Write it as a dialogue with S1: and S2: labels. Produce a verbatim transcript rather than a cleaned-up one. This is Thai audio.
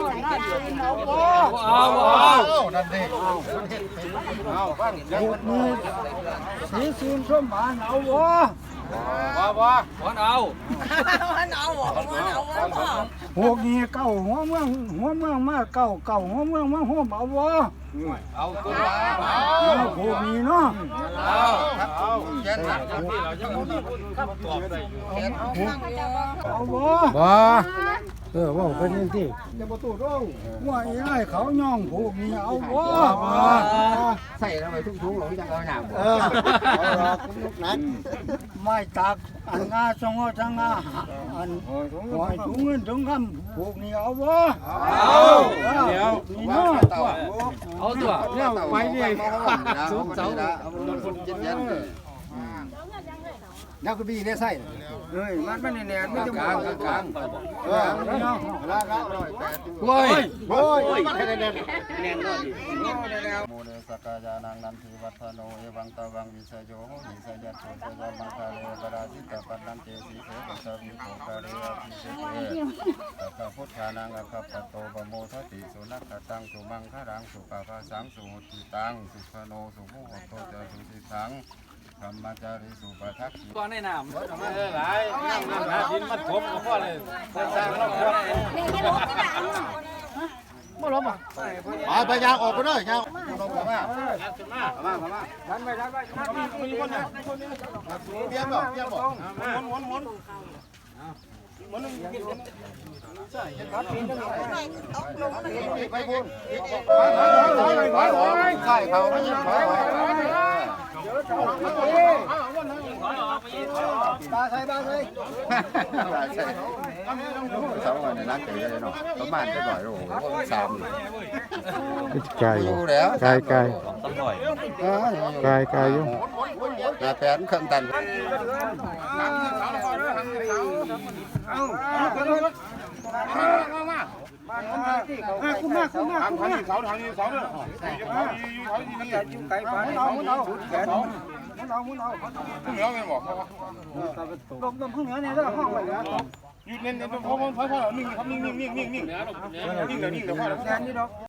S1: เอาเอา
S2: นั่นดิเอาบ้างหกมือสีซีนส้มหวานเอาวะ
S1: ว้าว้าวันเอา
S3: วันเอาวันเอาวันเอา
S2: หกนี่เก้าหัวเมืองหัวเมืองมาเก้าเก้าหัวเมืองมาหัวเอาวะ
S1: เอาตัวละ
S2: เอาหกนี่เนาะ
S1: เอาเอาเจ็ดหลักที่เราจะพูดคำตอบได้
S2: เอาวะว้าเออว่าเป็นยังที่จะประตูร่องว่าไอ้ไรเขาย่องผูกนี่เอาวะ
S4: ใส่ทำไมทุ่งๆหลงจังเอาหนาม
S2: เออนั้นไม่ตักอันงาสงอจังงาอันหอยถุงเงินถุงคำผูกนี่เอาวะ
S1: เอาเดี๋ยว
S2: นี่เนาะ
S1: เอาตัว
S4: เนี่ยไปเนี่ยสูงเสาคนเย็นๆเลยนักบีเนี่ยใส่
S2: เฮ้ยมันไม่แน่นไม่จะก
S4: ลางกลาง
S2: เออเนาะ
S4: ละละร้อยแปด
S1: โว้ย
S2: โว้ย
S4: แน่นแน่นแน่นก็ดี
S5: โมเดสกายานังนันทิวัฒโนเอวังตวังวิเศโยโหหิสยัตโตสยามังคาเลปราชิตปันนันเตสีเสปัสสวิโภคาเรอภิเศเตสัพพพุทธานังอัคคปโตปโมทติสุนัขตังสุมังคารังสุปาภาสังสุหุติตังสุขโนสุโมโหโตจสุติสังธรรมจาริสุปทักขิ
S1: ตัวในน้ำหลายน้ำน้ำหาดินมัดผมก็พอเลยสร้างรอบครัว
S2: ไม่ล้มอ่ะ
S4: ไปไปยางออกไปด้วยยางลงมามา
S1: มามามา
S2: ดันไปดันไปมีคนเนี่ย
S4: เบี้ยบอกเบี้ยบอก
S2: ม้วนม้วนม้วนใช่ครับปีนได้
S4: ไปบุญไปไปใช่เขาไม่ยิงไป
S2: บาใส่บาใส่
S4: ใช่สองวันในร้านเก๋เลยเนาะประมาณจะบ่อยโอ้โหสาม
S6: ไก่
S4: แล้ว
S6: ไก่ไก่
S1: ต้องหน่อย
S6: ไก่ไก่ยุ่ง
S4: นาแปนเครื่องตัน
S2: คุณมาคุณมาคุณมา
S1: ทางนี้เสาทางนี้เสาด้วย
S2: อยู่ไก่ฟ้าเอาเอาแขนมุนเอามุนเอา
S1: ผู้เหนือเป็นบอก
S2: ลมลมข้างเหนือเนี่ยแล้วห้องไปแล้ว
S1: อยู่เน้นเน้นพอพอพอพอนิ่งครับนิ่งนิ่งนิ่งนิ่งนิ่งนิ่งเดี๋ยวนิ่งเดี๋ยวพอแล้ว
S2: แขนนี่ดอก